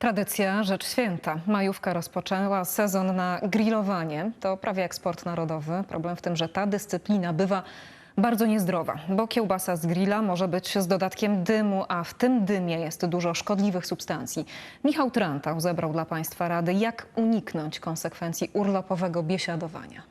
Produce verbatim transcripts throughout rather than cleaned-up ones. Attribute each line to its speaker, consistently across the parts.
Speaker 1: Tradycja, rzecz święta. Majówka rozpoczęła sezon na grillowanie. To prawie jak sport narodowy. Problem w tym, że ta dyscyplina bywa bardzo niezdrowa, bo kiełbasa z grilla może być z dodatkiem dymu, a w tym dymie jest dużo szkodliwych substancji. Michał Trantał zebrał dla Państwa rady, jak uniknąć konsekwencji urlopowego biesiadowania.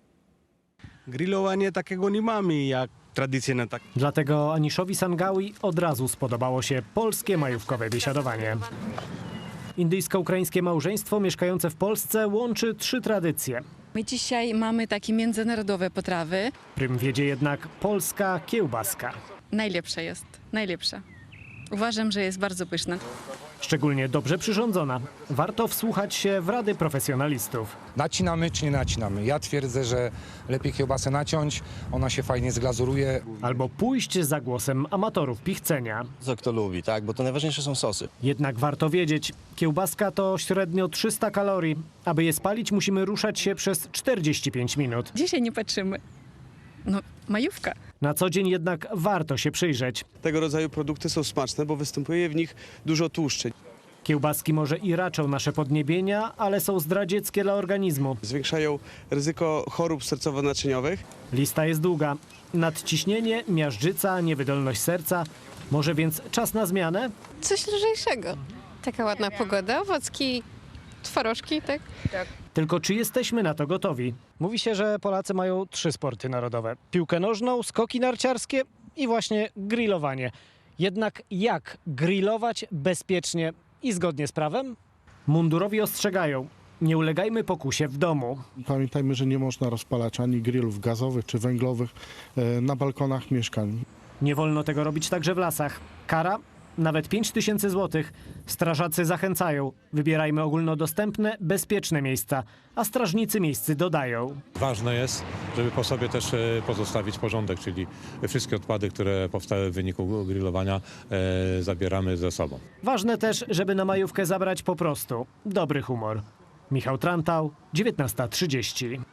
Speaker 2: Grillowanie takiego nie mamy jak tradycyjne. Tak.
Speaker 3: Dlatego Aniszowi Sangawi od razu spodobało się polskie majówkowe biesiadowanie. Indyjsko-ukraińskie małżeństwo mieszkające w Polsce łączy trzy tradycje.
Speaker 4: My dzisiaj mamy takie międzynarodowe potrawy.
Speaker 3: Prym wiedzie jednak polska kiełbaska.
Speaker 4: Najlepsza jest, najlepsza. Uważam, że jest bardzo pyszna.
Speaker 3: Szczególnie dobrze przyrządzona. Warto wsłuchać się w rady profesjonalistów.
Speaker 5: Nacinamy czy nie nacinamy? Ja twierdzę, że lepiej kiełbasę naciąć, ona się fajnie zglazuruje.
Speaker 3: Albo pójść za głosem amatorów pichcenia.
Speaker 6: Co kto lubi, tak? Bo to najważniejsze są sosy.
Speaker 3: Jednak warto wiedzieć, kiełbaska to średnio trzysta kalorii. Aby je spalić, musimy ruszać się przez czterdzieści pięć minut.
Speaker 4: Dzisiaj nie patrzymy. No, majówka.
Speaker 3: Na co dzień jednak warto się przyjrzeć.
Speaker 2: Tego rodzaju produkty są smaczne, bo występuje w nich dużo tłuszczy.
Speaker 3: Kiełbaski może i raczą nasze podniebienia, ale są zdradzieckie dla organizmu.
Speaker 2: Zwiększają ryzyko chorób sercowo-naczyniowych.
Speaker 3: Lista jest długa. Nadciśnienie, miażdżyca, niewydolność serca. Może więc czas na zmianę?
Speaker 7: Coś lżejszego. Taka ładna pogoda, owocki, twarożki, tak?
Speaker 3: Tylko czy jesteśmy na to gotowi? Mówi się, że Polacy mają trzy sporty narodowe. Piłkę nożną, skoki narciarskie i właśnie grillowanie. Jednak jak grillować bezpiecznie i zgodnie z prawem? Mundurowi ostrzegają. Nie ulegajmy pokusie w domu.
Speaker 8: Pamiętajmy, że nie można rozpalać ani grillów gazowych czy węglowych e, na balkonach mieszkań.
Speaker 3: Nie wolno tego robić także w lasach. Kara? Nawet pięć tysięcy złotych. Strażacy zachęcają. Wybierajmy ogólnodostępne, bezpieczne miejsca, a strażnicy miejscy dodają.
Speaker 9: Ważne jest, żeby po sobie też e, pozostawić porządek, czyli wszystkie odpady, które powstały w wyniku grillowania, e, zabieramy ze sobą.
Speaker 3: Ważne też, żeby na majówkę zabrać po prostu dobry humor. Michał Trantał, dziewiętnasta trzydzieści.